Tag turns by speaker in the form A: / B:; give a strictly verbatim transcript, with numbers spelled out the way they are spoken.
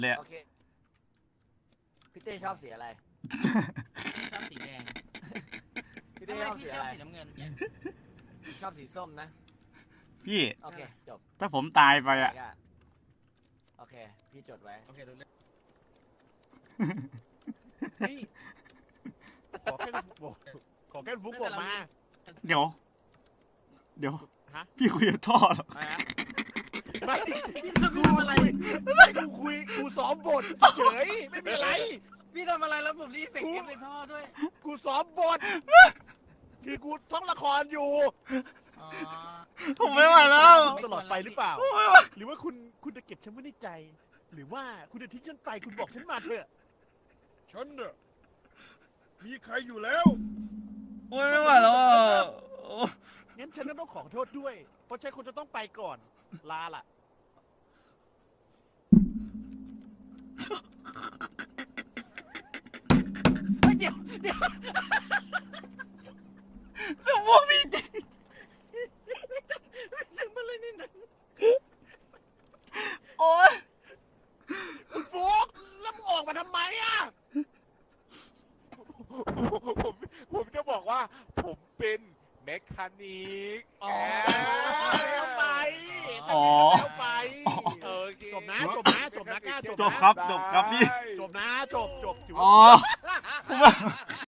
A: เลย
B: โอเคพี่เต้ชอบสีอะไร
C: ชอบสีแดง
B: พี่
C: ทำ
B: เต้
C: ไม
B: ชอบ
C: พี่
B: สี
C: ช
B: อะ
C: อบ
B: ไร
C: สีน้ำเงิน
B: ชอบสีส้มนะ
A: พี่
B: โอเคจบ
A: ถ้าผมตายไปอ่ะ
B: โอเคพี่จดไว้
C: โอเครู้เรื่อง
D: นี่ขอแค่ฟุกบอกขอแค่ฟุกบอกมา
A: เดี๋ยว เดี๋ยว
D: ฮะ
A: พี่คุยกับท่อเหรอ
B: อะไรนะ
D: ไม่
C: พี่ทำ
D: กู
C: อะไร
D: คุยไม่กูคุยกูซ้อมบทเฉยไม่มีอะไร
C: พี่ทำอะไรแล้วผมรีเซ็ตเกมในท่อด้วย
D: กูซ้อมบทคือกูท่องละครอยู่
C: อ๋อ
A: ผมไม่ไหวแล้ว
D: ตลอดไปหรือเปล่า หรือว่าคุณคุณจะเก็บฉันไว้ในใจ หรือว่าคุณจะทิ้งฉันไปคุณบอกฉันมาเถอะ
E: ฉันน่ะมีใครอยู่แล้ว
A: โอ้ยไม่ไหวแล้วอ่ะ
D: งั้นฉันก็ต้องขอโทษด้วย เพราะฉันคงจะต้องไปก่อน ลาล่ะ
C: เฮ้ยเดี๋ยวเดี๋ยว
A: แล้วพวกพี่จริง
C: ทำอะไรนี่นะ
A: โอ้ย
D: คุณฟุกแล้วมึงออกมาทำไมอ่ะ
E: ผมผมจะบอกว่า ผมเป็นแมคคานิก
D: อ๋อแล้วไป
A: อ๋อ
D: แล้วไป
E: โอเค
D: จบนะจบนะจบนะกล้าจบ
A: จ
D: นะ
A: บครับจบครับพี่
D: จบนะจบจบถือ
A: อ๋
D: ว่า
A: อผมว่า